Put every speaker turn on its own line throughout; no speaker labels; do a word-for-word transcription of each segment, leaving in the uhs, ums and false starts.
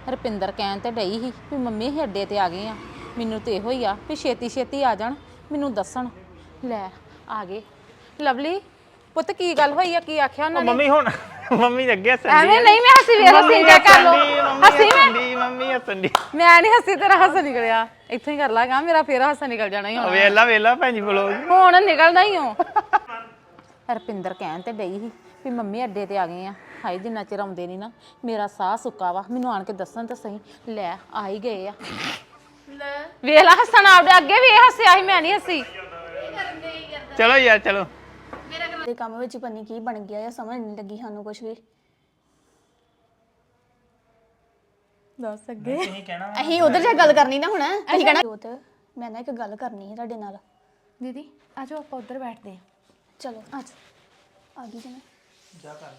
ਰੁਪਿੰਦਰ ਕਹਿਣ ਤੇ ਡਈ ਸੀ ਵੀ ਮੰਮੀ ਅਸੀਂ ਅੱਡੇ ਤੇ ਆ ਗਏ ਆ। ਮੈਨੂੰ ਤੇ ਇਹੋ ਹੀ ਆ ਵੀ ਛੇਤੀ ਛੇਤੀ ਆ ਜਾਣ, ਮੈਨੂੰ ਦੱਸਣ। ਲੈ ਆ ਗਏ। ਲਵਲੀ ਪੁੱਤ ਕੀ ਗੱਲ ਹੋਈ ਆ, ਕੀ ਆਖਿਆ ਉਹਨਾਂ ਨੇ?
ਮੰਮੀ ਹੁਣ ਮੰਮੀ ਅੱਗੇ ਹੱਸਣ ਦੀ
ਐਵੇਂ ਨਹੀਂ, ਮੈਂ ਹੱਸੀ ਵੇਖ ਹੱਸੀ ਜਾ ਕਰ ਲੋ। ਹੱਸੀ ਮੈਂ
ਮੰਮੀ ਹੱਸਣ ਦੀ
ਮੈਂ ਨਹੀਂ ਹੱਸੀ, ਤੇਰਾ ਹਾਸਾ ਨਿਕਲਿਆ। ਇੱਥੋਂ ਹੀ ਕਰ ਲਾਗਾ, ਮੇਰਾ ਫੇਰ ਹਾਸਾ ਨਿਕਲ ਜਾਣਾ ਹੀ ਹੁਣ।
ਵੇਲਾ ਵੇਲਾ ਭੈਣ ਜੀ ਬੋਲੋ
ਹੁਣ ਨਿਕਲਦਾ ਹੀ ਹੋ। ਰੁਪਿੰਦਰ ਕਹਿਣ ਤੇ ਡਈ ਸੀ ਵੀ ਮੰਮੀ ਅੱਡੇ ਤੇ ਆ ਗਏ ਆ। ਹਾਏ ਜਿੰਨਾ ਚਿਰ ਆਉਂਦੇ ਨਹੀਂ ਨਾ ਮੇਰਾ ਸਾਹ ਸੁੱਕਾ ਵਾ, ਮੈਨੂੰ ਆਣ ਕੇ ਦੱਸਣ ਤਾਂ ਸਹੀ। ਲੈ ਆ ਹੀ ਗਏ ਆ। ਵੇਖ ਲਾ ਹੱਸਣ ਆਪਦੇ ਅੱਗੇ ਵੀ ਇਹ ਹੱਸਿਆ ਸੀ, ਮੈਂ ਨਹੀਂ ਹੱਸੀ।
ਚਲੋ ਯਾਰ ਚਲੋ।
ਦੇ ਕੰਮ ਵਿੱਚ ਪਨੀ ਕੀ ਬਣ ਗਿਆ, ਸਮਝ ਨਹੀਂ ਲੱਗੀ ਸਾਨੂੰ ਕੁਝ ਵੀ।
ਦੱਸ ਅੱਗੇ
ਅਸੀਂ ਉਧਰ ਜਾ ਗੱਲ ਕਰਨੀ ਨਾ ਹੁਣ। ਅਸੀਂ ਕਹਿਣਾ ਜੋਤ ਮੈਂ ਨਾ ਇੱਕ ਗੱਲ ਕਰਨੀ ਹੈ ਤੁਹਾਡੇ ਨਾਲ।
ਦੀਦੀ ਆ ਜਾਓ ਆਪਾਂ ਉੱਧਰ ਬੈਠਦੇ ਆ।
ਚਲੋ ਅੱਜ ਆ ਗਈ ਜੀ
ਜਾ ਕਰ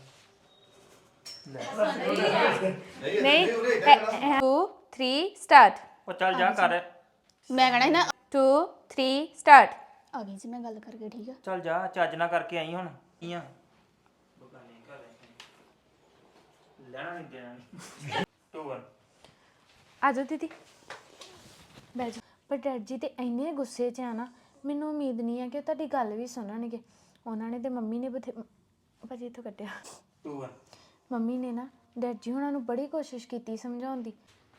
ਨਹੀਂ ਟੂ ਥ੍ਰੀ ਸਟਾਰਟ।
ਉਹ ਚੱਲ ਜਾ ਕਰ।
ਮੈਂ ਕਹਿਣਾ ਸੀ ਨਾ
ਟੂ ਥ੍ਰੀ ਸਟਾਰਟ।
ਆ ਗਈ ਜੀ ਮੈਂ ਗੱਲ ਕਰਕੇ, ਠੀਕ ਆ?
ਚੱਲ ਜਾ, ਚੱਜ ਨਾ ਕਰਕੇ ਆਈ ਹੁਣ ਕੀ ਆ ਲੈਣਾ ਨਹੀਂ ਦੇਣਾ। ਟੂ ਵਨ
ਆ ਜਾਓ ਦੀਦੀ ਬਹਿ ਜਾਓ। ਪਰ ਡੈਡ ਜੀ ਤੇ ਇੰਨੇ ਗੁੱਸੇ 'ਚ ਆ ਨਾ, ਮੈਨੂੰ ਉਮੀਦ ਨਹੀਂ ਹੈ ਕਿ ਉਹ ਤੁਹਾਡੀ ਗੱਲ ਵੀ ਸੁਣਨਗੇ। ਉਹਨਾਂ ਨੇ ਤੇ ਮੰਮੀ ਨੇ ਬਥੇ ਭਾਜੀ ਇੱਥੋਂ ਕੱਟਿਆ।
ਟੂ ਵਨ
ਮੰਮੀ ਨੇ ਨਾ ਡੈਡ ਜੀ ਉਹਨਾਂ ਨੂੰ ਬੜੀ ਕੋਸ਼ਿਸ਼ ਕੀਤੀ ਸਮਝਾਉਣ ਦੀ।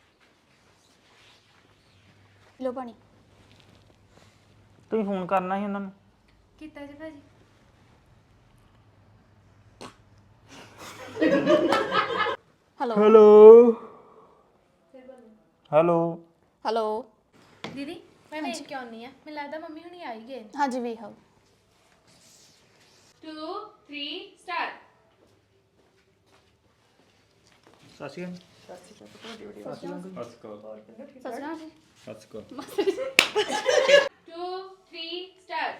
ਲੋ ਪਾਣੀ।
ਤੁਸੀਂ ਫੋਨ ਕਰਨਾ ਸੀ ਉਹਨਾਂ ਨੂੰ।
ਕੀਤਾ ਜੀ ਭਾਜੀ।
ਹੈਲੋ
ਹੈਲੋ ਹੈਲੋ
ਹੈਲੋ
ਦੀਦੀ ਮੈਂ ਵੇਖ ਕੇ ਆਉਣੀ ਆ, ਮੈਨੂੰ ਲੱਗਦਾ ਮੰਮੀ ਹੁਣੀ ਆ ਹੀ ਗਏ।
ਹਾਂਜੀ ਵੇਖ ਆਓ।
Two three start.
ਸਾਸੀ ਗਨ
ਸੱਜਣਾ ਜੀ
ਟੂ ਥ੍ਰੀ ਸਟਾਰਟ।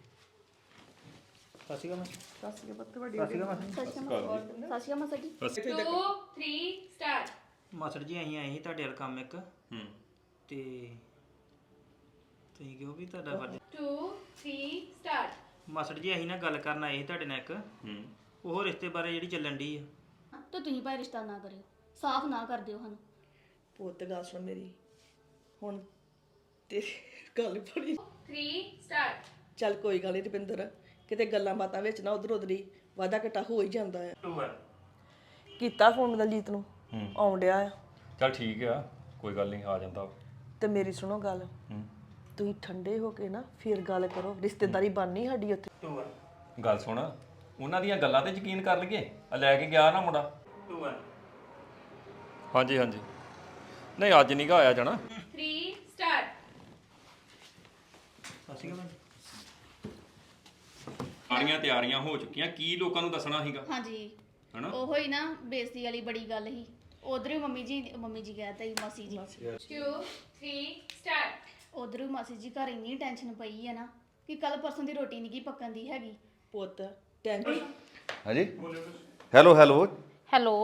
ਸਾਸੀ ਗਨ ਸਾਸੀ ਗਨ ਬੱਤ ਵੱਡੀ ਸਾਸੀ ਗਨ
ਸਾਸੀਆ ਮਸਾ ਜੀ।
Two three start.
ਮਾਸੜ ਜੀ ਅਸੀਂ ਆਏ ਸੀ ਤੁਹਾਡੇ ਵੱਲ ਕੰਮ ਇੱਕ। ਹੂੰ ਤੇ ਤੁਸੀਂ ਕਿਉਂ ਵੀ ਤੁਹਾਡਾ ਵੱਡ
ਟੂ ਥ੍ਰੀ ਸਟਾਰਟ।
ਮਾਸੜ ਜੀ ਅਸੀਂ ਨਾ ਗੱਲ ਕਰਨ ਆਏ ਸੀ ਤੁਹਾਡੇ ਨਾਲ ਇੱਕ। ਹੂੰ ਉਹ ਰਿਸ਼ਤੇ ਬਾਰੇ ਜਿਹੜੀ ਚੱਲਣ ਦੀ ਆ।
ਤਾਂ ਤੁਸੀਂ ਭਾਈ ਰਿਸ਼ਤਾ ਨਾ ਕਰਿਓ, ਸਾਫ਼ ਨਾ ਕਰ ਦਿਓ ਸਾਨੂੰ।
ਪੁੱਤ ਗੱਲ ਸੁਣ ਮੇਰੀ ਹੁਣ ਤੇ ਗੱਲ ਬੜੀ
ਥ੍ਰੀ ਸਟਾਰਟ।
ਚੱਲ ਕੋਈ ਗੱਲ ਨਹੀਂ ਰੁਪਿੰਦਰ, ਕਿਤੇ ਗੱਲਾਂ ਬਾਤਾਂ ਵਿੱਚ ਨਾ ਉਧਰ ਉਧਰ ਹੀ ਵਾਧਾ ਘਟਾ ਹੋ ਹੀ ਜਾਂਦਾ ਆ।
ਟੂ ਵਨ
ਕੀਤਾ ਫੋਨ ਦਲਜੀਤ ਨੂੰ ਆਉਣ ਡਿਆ ਆ।
ਚੱਲ ਠੀਕ ਆ, ਕੋਈ ਗੱਲ ਨਹੀਂ, ਆ ਜਾਂਦਾ।
ਤੇ ਮੇਰੀ ਸੁਣੋ ਗੱਲ, ਤੁਸੀਂ ਠੰਡੇ ਹੋ ਕੇ ਨਾ ਫਿਰ ਗੱਲ ਕਰੋ, ਰਿਸ਼ਤੇਦਾਰੀ ਬਣਨੀ ਸਾਡੀ ਉੱਥੇ।
ਟੂ ਵਨ
ਗੱਲ ਸੁਣ, ਉਹਨਾਂ ਦੀਆਂ ਗੱਲਾਂ ਤੇ ਯਕੀਨ ਕਰ ਲਈਏ। ਆ ਲੈ ਕੇ ਗਿਆ ਨਾ ਮੁੰਡਾ।
ਟੂ ਵਨ
ਹਾਂਜੀ ਹਾਂਜੀ, ਨਹੀਂ ਅੱਜ ਨਹੀਂ ਗਾ ਆਇਆ ਜਾਣਾ।
Three start.
ਸਾਸੀ ਗਨ
ਸਾਰੀਆਂ ਤਿਆਰੀਆਂ ਹੋ ਚੁੱਕੀਆਂ, ਕੀ ਲੋਕਾਂ ਨੂੰ ਦੱਸਣਾ ਸੀਗਾ
ਹਾਂਜੀ
ਹਨਾ?
ਉਹੋ ਹੀ ਨਾ ਬੇਇੱਜ਼ਤੀ ਵਾਲੀ ਬੜੀ ਗੱਲ ਸੀ। ਉਧਰ ਵੀ ਮੰਮੀ ਜੀ ਮੰਮੀ ਜੀ ਕਹਿਤਾ ਸੀ ਮਾਸੀ ਜੀ।
Two three start.
ਉਧਰ ਵੀ ਮਾਸੀ ਜੀ ਘਰ ਇੰਨੀ ਟੈਨਸ਼ਨ ਪਈ ਹੈ ਨਾ ਕਿ ਕੱਲ ਪਰਸੋਂ ਦੀ ਰੋਟੀ ਨਹੀਂ ਕੀ ਪੱਕਣ ਦੀ ਹੈਗੀ।
ਪੁੱਤ ਟੈਂਸ਼ਨ
ਹਾਂਜੀ ਹੈਲੋ ਹੈਲੋ
ਹੈਲੋ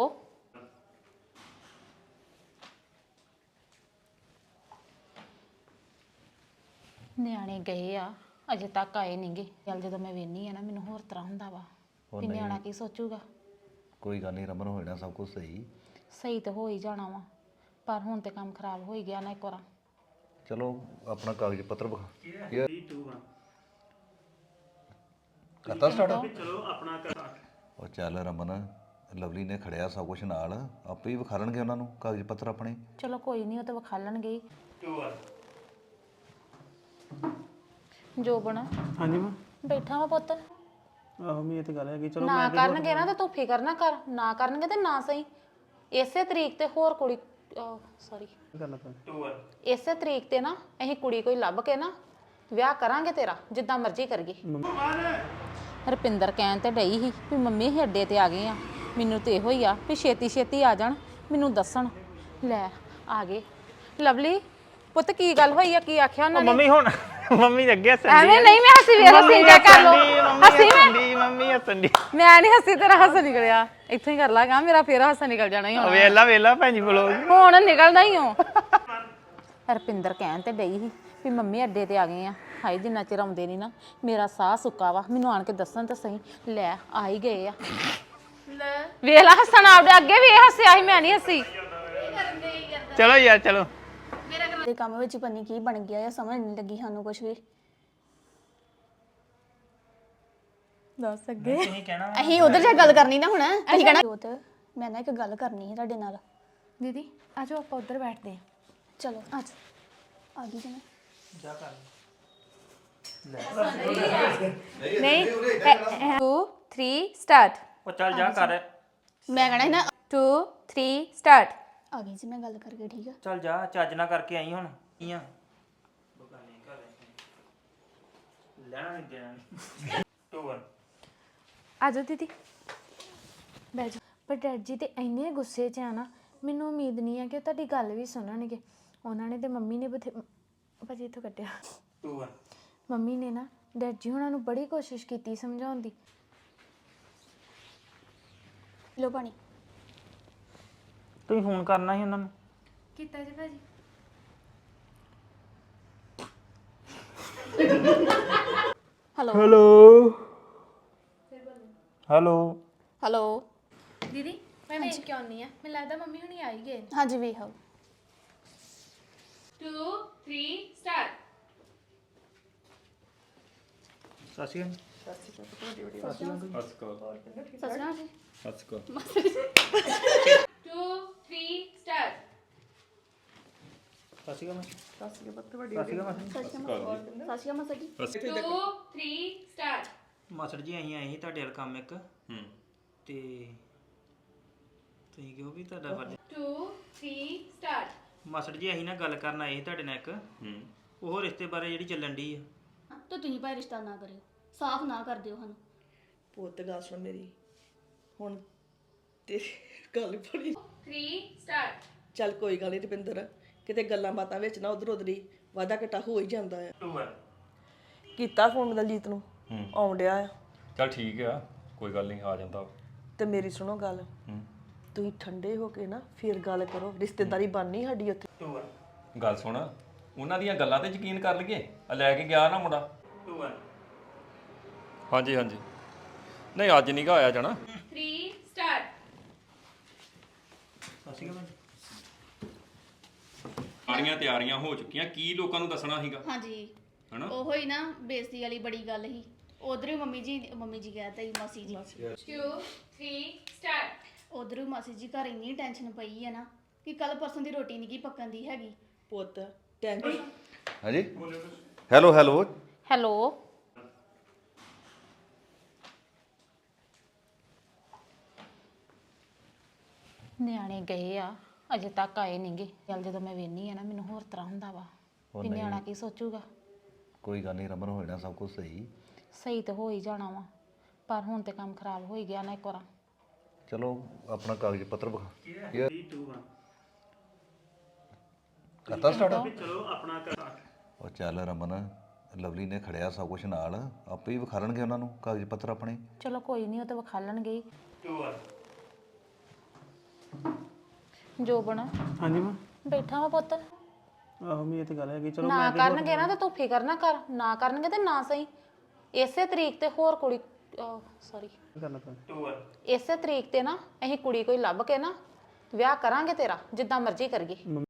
ਨਿਆਣੇ ਗਏ ਆ, ਅਜੇ ਤੱਕ ਆਏ ਨਹੀਂਗੇ। ਚੱਲ ਜਦੋਂ ਮੈਂ ਵੇਖਨੀ ਆ ਨਾ ਮੈਨੂੰ ਹੋਰ ਤਰ੍ਹਾਂ ਹੁੰਦਾ ਵਾ ਵੀ ਨਿਆਣਾ ਕੀ ਸੋਚੂਗਾ।
ਕੋਈ ਗੱਲ ਨਹੀਂ ਰਮਨ, ਹੋ ਜਾਣਾ ਸਭ ਕੁਝ ਸਹੀ।
ਸਹੀ ਤਾਂ ਹੋ ਹੀ ਜਾਣਾ ਵਾ, ਪਰ ਹੁਣ ਤੇ ਕੰਮ ਖਰਾਬ ਹੋ ਹੀ ਗਿਆ ਨਾ ਇੱਕ ਵਾਰ।
ਚਲੋ ਆਪਣਾ ਕਾਗਜ਼ ਪੱਤਰ ਵਿਖਾ।
ਟੂ ਵਨ
ਕਰਤਾ ਸਟਾਰਟ।
ਚਲੋ ਆਪਣਾ ਕਰ।
ਉਹ ਚੱਲ ਰਮਨ, ਲਵਲੀ ਨੇ ਖੜਿਆ ਸਭ ਕੁਝ ਨਾਲ, ਆਪੇ ਹੀ ਵਿਖਾ ਲੈਣਗੇ ਉਹਨਾਂ ਨੂੰ ਕਾਗਜ਼ ਪੱਤਰ ਆਪਣੇ।
ਚਲੋ ਕੋਈ ਨਹੀਂ, ਉਹ ਤਾਂ ਵਿਖਾ ਲੈਣਗੇ ਹੀ।
ਟੂ ਵਨ
ਜੋਬਨ
ਹਾਂਜੀ ਮਾਂ।
ਬੈਠਾ ਵਾ ਪੁੱਤ।
ਆਹੋ ਮੈਂ ਇਹ ਤੇ ਗੱਲ ਹੈਗੀ। ਚਲੋ
ਨਾ ਕਰਨਗੇ ਨਾ ਤੇ ਤੂੰ ਫਿਕਰ ਨਾ ਕਰ, ਨਾ ਕਰਨਗੇ ਤੇ ਨਾ ਸਹੀ। ਇਸੇ ਤਰੀਕ ਤੇ ਹੋਰ ਕੁੜੀ ਸੌਰੀ
ਗੱਲ ਕਰ। ਟੂ ਵਨ
ਇਸੇ ਤਰੀਕ ਤੇ ਨਾ ਅਸੀਂ ਕੁੜੀ ਕੋਈ ਲੱਭ ਕੇ ਨਾ ਵਿਆਹ ਕਰਾਂਗੇ ਤੇਰਾ, ਜਿੱਦਾਂ ਮਰਜ਼ੀ ਕਰੀਏ। ਰੁਪਿੰਦਰ ਕਹਿਣ ਤੇ ਡਈ ਸੀ ਵੀ ਮੰਮੀ ਅਸੀਂ ਅੱਡੇ ਤੇ ਆ ਗਏ ਆ। ਮੈਨੂੰ ਤੇ ਇਹੋ ਹੀ ਆ ਵੀ ਛੇਤੀ ਛੇਤੀ ਆ ਜਾਣ, ਮੈਨੂੰ ਦੱਸਣ। ਲੈ ਆ ਗਏ। ਲਵਲੀ ਪੁੱਤ ਕੀ ਗੱਲ ਹੋਈ ਆ, ਕੀ ਆਖਿਆ ਉਹਨਾਂ ਨੇ?
ਮੰਮੀ ਹੁਣ ਮੰਮੀ ਅੱਗੇ ਹੱਸਣ ਦੀ
ਐਵੇਂ ਨਹੀਂ, ਮੈਂ ਹੱਸੀ ਵੇਖ ਹੱਸੀ ਜਾ ਕਰ ਲੋ। ਹੱਸੀ ਮੈਂ
ਮੰਮੀ ਹੱਸਣ ਦੀ
ਮੈਂ ਨਹੀਂ ਹੱਸੀ, ਤੇਰਾ ਹਾਸਾ ਨਿਕਲਿਆ। ਇੱਥੋਂ ਹੀ ਕਰ ਲਾਗਾ, ਮੇਰਾ ਫੇਰ ਹਾਸਾ ਨਿਕਲ ਜਾਣਾ ਹੀ ਹੁਣ।
ਵੇਲਾ ਵੇਲਾ ਭੈਣ ਜੀ ਬੋਲੋ
ਹੁਣ ਨਿਕਲਦਾ ਹੀ ਹੋ। ਰੁਪਿੰਦਰ ਕਹਿਣ ਤੇ ਡਈ ਸੀ ਵੀ ਮੰਮੀ ਅੱਡੇ ਤੇ ਆ ਗਏ ਆ। ਹਾਏ ਜਿੰਨਾ ਚਿਰ ਆਉਂਦੇ ਨਹੀਂ ਨਾ ਮੇਰਾ ਸਾਹ ਸੁੱਕਾ ਵਾ, ਮੈਨੂੰ ਆਣ ਕੇ ਦੱਸਣ ਤਾਂ ਸਹੀ। ਲੈ ਆ ਹੀ ਗਏ ਆ। ਵੇਖ ਲਾ ਹੱਸਣ ਆਪਦੇ ਅੱਗੇ ਵੀ ਇਹ ਹੱਸਿਆ ਸੀ, ਮੈਂ ਨਹੀਂ ਹੱਸੀ।
ਚਲੋ ਯਾਰ ਚਲੋ
ਦੇ ਕੰਮ ਵਿੱਚ ਪਤਾ ਨਹੀਂ ਕੀ ਬਣ ਗਿਆ ਆ ਸਮਝ ਨਹੀਂ ਲੱਗੀ ਸਾਨੂੰ ਕੁਝ ਵੀ
ਦੱਸ ਅੱਗੇ
ਤੁਸੀਂ ਕਹਿਣਾ
ਅਸੀਂ ਉਧਰ ਜਾ ਗੱਲ ਕਰਨੀ ਨਾ ਹੁਣ ਅਸੀਂ ਕਹਿਣਾ ਜੋਤ ਮੈਂ ਨਾ ਇੱਕ ਗੱਲ ਕਰਨੀ ਹੈ ਤੁਹਾਡੇ ਨਾਲ
ਦੀਦੀ ਆ ਜਾਓ ਆਪਾਂ ਉੱਧਰ ਬੈਠਦੇ ਹਾਂ
ਚਲੋ ਅੱਜ ਆ ਗਈ ਜੀ ਮੈਂ
ਜਾ ਕਰ
ਨਹੀਂ two three ਸਟਾਰਟ
ਉਹ ਚੱਲ ਜਾ ਕਰ
ਮੈਂ ਕਹਿਣਾ ਸੀ ਨਾ
two three ਸਟਾਰਟ
ਆ ਗਈ ਜੀ ਮੈਂ ਗੱਲ ਕਰਕੇ ਠੀਕ ਆ
ਚੱਲ ਜਾ ਚੱਜ ਨਾ ਕਰਕੇ ਆਈ ਹੁਣ ਕੀ ਆ ਬਗਾਨੇ ਘਰ ਲੈਣਾ ਨਹੀਂ ਦੇਣਾ two one
ਆ ਜਾਓ ਦੀਦੀ ਬਹਿ ਜਾਓ ਪਰ ਡੈਡ ਜੀ ਤੇ ਇੰਨੇ ਗੁੱਸੇ 'ਚ ਆ ਨਾ ਮੈਨੂੰ ਉਮੀਦ ਨਹੀਂ ਆ ਕਿ ਉਹ ਤੁਹਾਡੀ ਗੱਲ ਵੀ ਸੁਣਨਗੇ ਉਹਨਾਂ ਨੇ ਤੇ ਮੰਮੀ ਨੇ ਬਥੇ ਭਾਜੀ ਇੱਥੋਂ ਕੱਟਿਆ
two one
ਮੰਮੀ ਨੇ ਨਾ ਡੈਡ ਜੀ ਉਹਨਾਂ ਨੂੰ ਬੜੀ ਕੋਸ਼ਿਸ਼ ਕੀਤੀ ਸਮਝਾਉਣ ਦੀ
ਲੋ ਪਾਣੀ
ਤੁਸੀਂ ਫੋਨ ਕਰਨਾ ਸੀ ਉਹਨਾਂ ਨੂੰ
ਕੀਤਾ ਜੀ ਭਾਜੀ
ਹੈਲੋ
ਹੈਲੋ ਹੈਲੋ
ਹੈਲੋ
ਦੀਦੀ ਮੈਂ ਵੇਖ ਕੇ ਆਉਣੀ ਆ ਮੈਨੂੰ ਲੱਗਦਾ ਮੰਮੀ ਹੁਣੀ ਆ ਹੀ ਗਏ
ਹਾਂਜੀ ਵੇਖ ਆਓ
two three start
ਸਸੀ
ਹੱਸ ਕੋ
ਸੱਚਣਾ ਜੀ
ਹੱਸ ਕੋ
two three start
ਸਸੀ ਕਾ ਮੈਂ ਸਸੀ ਕਾ ਬੱਤ ਵੱਡੀ ਸਸੀ ਕਾ ਮੈਂ
ਸਾਸੀਆ ਮਸਾ ਜੀ
two three start
ਮਾਸੜ ਜੀ ਅਸੀਂ ਆਏ ਸੀ ਤੁਹਾਡੇ ਵੱਲ ਕੰਮ ਇੱਕ
ਹੂੰ
ਤੇ ਤੁਸੀਂ ਕਿਉਂ ਵੀ ਤੁਹਾਡਾ ਫਰਜ਼
two three start
ਮਾਸੜ ਜੀ ਅਸੀਂ ਨਾ ਗੱਲ ਕਰਨ ਆਏ ਸੀ ਤੁਹਾਡੇ ਨਾਲ ਇੱਕ
ਹੂੰ
ਉਹ ਰਿਸ਼ਤੇ ਬਾਰੇ ਜਿਹੜੀ ਚੱਲਣ ਦੀ ਆ
ਤਾਂ ਤੁਸੀਂ ਭਾਈ ਰਿਸ਼ਤਾ ਨਾ ਕਰਿਓ ਸਾਫ਼ ਨਾ ਕਰ ਦਿਓ ਸਾਨੂੰ
ਪੁੱਤ ਗੱਲ ਸੁਣ ਮੇਰੀ ਹੁਣ ਤੇਰੀ ਗੱਲ ਬੜੀ
three start
ਚੱਲ ਕੋਈ ਗੱਲ ਨਹੀਂ ਰੁਪਿੰਦਰ ਕਿਤੇ ਗੱਲਾਂ ਬਾਤਾਂ ਵਿੱਚ ਨਾ ਉਧਰ ਉਧਰ ਹੀ ਵਾਧਾ ਘਟਾ ਹੋ ਹੀ ਜਾਂਦਾ ਆ
two one
ਕੀਤਾ ਫੋਨ ਦਲਜੀਤ ਨੂੰ ਆਉਣ ਡਿਆ ਆ
ਚੱਲ ਠੀਕ ਆ ਕੋਈ ਗੱਲ ਨਹੀਂ ਆ ਜਾਂਦਾ
ਤੇ ਮੇਰੀ ਸੁਣੋ ਗੱਲ
ਹੂੰ
ਤੁਸੀਂ ਠੰਡੇ ਹੋ ਕੇ ਨਾ ਫਿਰ ਗੱਲ ਕਰੋ ਰਿਸ਼ਤੇਦਾਰੀ ਬਣਨੀ ਸਾਡੀ ਉੱਥੇ
two one
ਗੱਲ ਸੁਣ ਉਹਨਾਂ ਦੀਆਂ ਗੱਲਾਂ ਤੇ ਯਕੀਨ ਕਰ ਲਈਏ ਆ ਲੈ ਕੇ ਗਿਆ ਨਾ ਮੁੰਡਾ
two one
ਹਾਂਜੀ ਹਾਂਜੀ ਨਹੀਂ ਅੱਜ ਨਹੀਂ ਗਾ ਆਇਆ ਜਾਣਾ
three start
ਸਸੀ ਕਾ ਮੈਂ
ਸਾਰੀਆਂ ਤਿਆਰੀਆਂ ਹੋ ਚੁੱਕੀਆਂ ਕੀ ਲੋਕਾਂ ਨੂੰ ਦੱਸਣਾ ਸੀਗਾ
ਹਾਂਜੀ
ਹਨਾ
ਉਹੋ ਹੀ ਨਾ ਬੇਇੱਜ਼ਤੀ ਵਾਲੀ ਬੜੀ ਗੱਲ ਸੀ ਉਧਰ ਹੀ ਮੰਮੀ ਜੀ ਮੰਮੀ ਜੀ ਕਹਿਤਾ ਹੀ ਮਾਸੀ ਜੀ
two three start
ਉਧਰ ਹੀ ਮਾਸੀ ਜੀ ਘਰ ਇੰਨੀ ਟੈਨਸ਼ਨ ਪਈ ਹੈ ਨਾ ਕਿ ਕੱਲ ਪਰਸੋਂ ਦੀ ਰੋਟੀ ਨਹੀਂ ਕੀ ਪੱਕਣ ਦੀ ਹੈਗੀ
ਪੁੱਤ ਟੈਂਸ਼ਨ
ਹਾਂਜੀ ਹੈਲੋ ਹੈਲੋ
ਹੈਲੋ ਨਿਆਣੇ ਗਏ ਆ ਅਜੇ ਤੱਕ ਆਏ ਨਹੀਂਗੇ ਚੱਲ ਜਦੋਂ ਮੈਂ ਵੇਖਨੀ ਆ ਨਾ ਮੈਨੂੰ ਹੋਰ ਤਰ੍ਹਾਂ ਹੁੰਦਾ ਵਾ ਵੀ ਨਿਆਣਾ ਕੀ ਸੋਚੂਗਾ
ਕੋਈ ਗੱਲ ਨਹੀਂ ਰਮਨ ਹੋ ਜਾਣਾ ਸਭ ਕੁਝ ਸਹੀ
ਸਹੀ ਤਾਂ ਹੋ ਹੀ ਜਾਣਾ ਵਾ ਪਰ ਹੁਣ ਤੇ ਕੰਮ ਖਰਾਬ ਹੋ ਹੀ ਗਿਆ ਨਾ ਇੱਕ ਵਾਰ
ਚਲੋ ਆਪਣਾ ਕਾਗਜ਼ ਪੱਤਰ ਵਿਖਾ ਯਾਰ
two one
ਕਰਤਾ ਸਟਾਰਟ
ਚਲੋ ਆਪਣਾ ਕਰ
ਉਹ ਚੱਲ ਰਮਨ ਲਵਲੀ ਨੇ ਖੜਿਆ ਸਭ ਕੁਝ ਨਾਲ ਆਪੇ ਹੀ ਵਿਖਾਲਣਗੇ ਉਹਨਾਂ ਨੂੰ ਕਾਗਜ਼ ਪੱਤਰ ਆਪਣੇ
ਚਲੋ ਕੋਈ ਨਹੀਂ ਉਹ ਤਾਂ ਵਿਖਾ ਲੈਣਗੇ ਹੀ।
two one
ਜੋਬਨ
ਹਾਂਜੀ ਮਾਂ
ਬੈਠਾ ਵਾ ਪੁੱਤ
ਆਹੋ ਮੈਂ ਇਹ ਤੇ ਗੱਲ ਹੈਗੀ ਚਲੋ
ਨਾ ਕਰਨਗੇ ਨਾ ਤੇ ਤੂੰ ਫਿਕਰ ਨਾ ਕਰ ਨਾ ਕਰਨਗੇ ਤੇ ਨਾ ਸਹੀ ਇਸੇ ਤਰੀਕ ਤੇ ਹੋਰ ਕੁੜੀ ਸੌਰੀ
ਕਰਨਾ ਪੈਣਾ two one
ਇਸੇ ਤਰੀਕ ਤੇ ਨਾ ਅਸੀਂ ਕੁੜੀ ਕੋਈ ਲੱਭ ਕੇ ਨਾ ਵਿਆਹ ਕਰਾਂਗੇ ਤੇਰਾ ਜਿੱਦਾਂ ਮਰਜ਼ੀ ਕਰੀਏ